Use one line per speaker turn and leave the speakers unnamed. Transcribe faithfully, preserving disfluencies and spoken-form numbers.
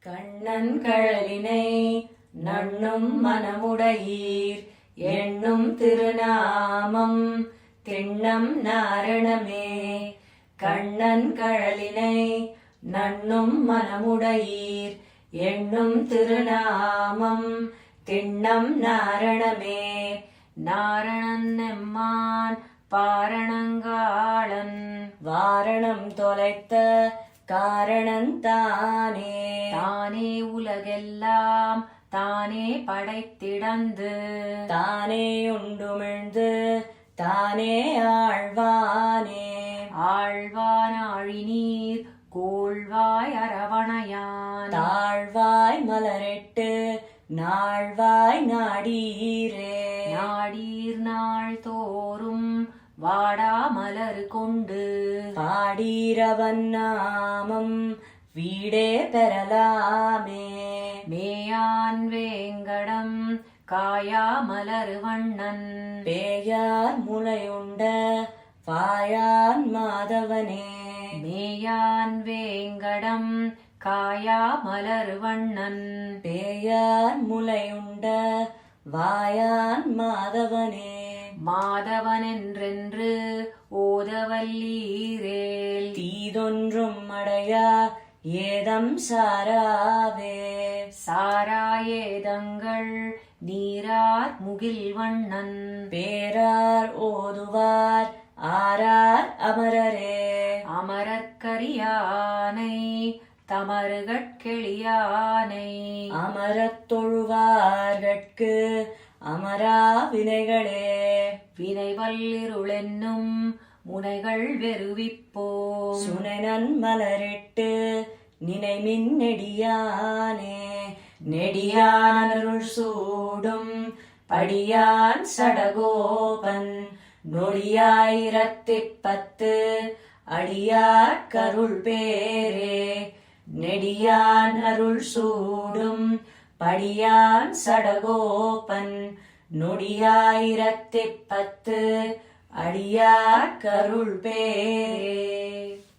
கண்ணன் கழலினை நண்ணும் மனமுடையீர் எண்ணும் திருநாமம் திண்ணம் நாரணமே. கண்ணன் கழலினை நண்ணும் மனமுடையீர் எண்ணும் திருநாமம் திண்ணம் நாரணமே. நாரணன் எம்மான் பாரணங்காளன் வாரணம் தொலைத்த காரணன் தானே. தானே உலகெல்லாம் தானே படைத்திடந்து தானே உண்டுமிழ்ந்து தானே ஆழ்வானே. ஆழ்வான் ஆழிநீர் கோள்வாய் அரவணையான் தாழ்வாய் மலரெட்டு நாழ்வாய் நாடீரே. நாடீர் நாள் தோறும் வாடா மலர் கொண்டு பாடீரவன் நாமம் வீடே பெறலாமே. மேயான் வேங்கடம் காயா மலர் வண்ணன் பேயார் முளையுண்ட வாயான் மாதவனே. மேயான் வேங்கடம் காயா மலர் வண்ணன் பேயார் முளையுண்ட வாயான் மாதவனே. மாதவன் என்றென்று ஓதவல்லீரேல் தீதொன்றும் அடையா ஏதம் சாராவே. சாரா ஏதங்கள் நீரார் முகில் வண்ணன் பேரார் ஓதுவார் ஆரார் அமரரே. அமரற்கரியானை தமருகட்கெளியானை அமரத் தொழுவார்கட்கு அமரா வினைகளே. வினைவல்லிருளென்னும் முனைகள் வெறுவிப்போ சுனைநன் மலரிட்டு நினைமின் நெடியானே. நெடியானருள் சூடும் படியான் சடகோபன் நொடியாயிரத்திப் பத்து அடியார் கருள் பேரே. நெடியான் அருள் சூடும் படியான் சடகோபன் நொடியாயிரத்திப் பத்து அடியார் கருள் பேரே.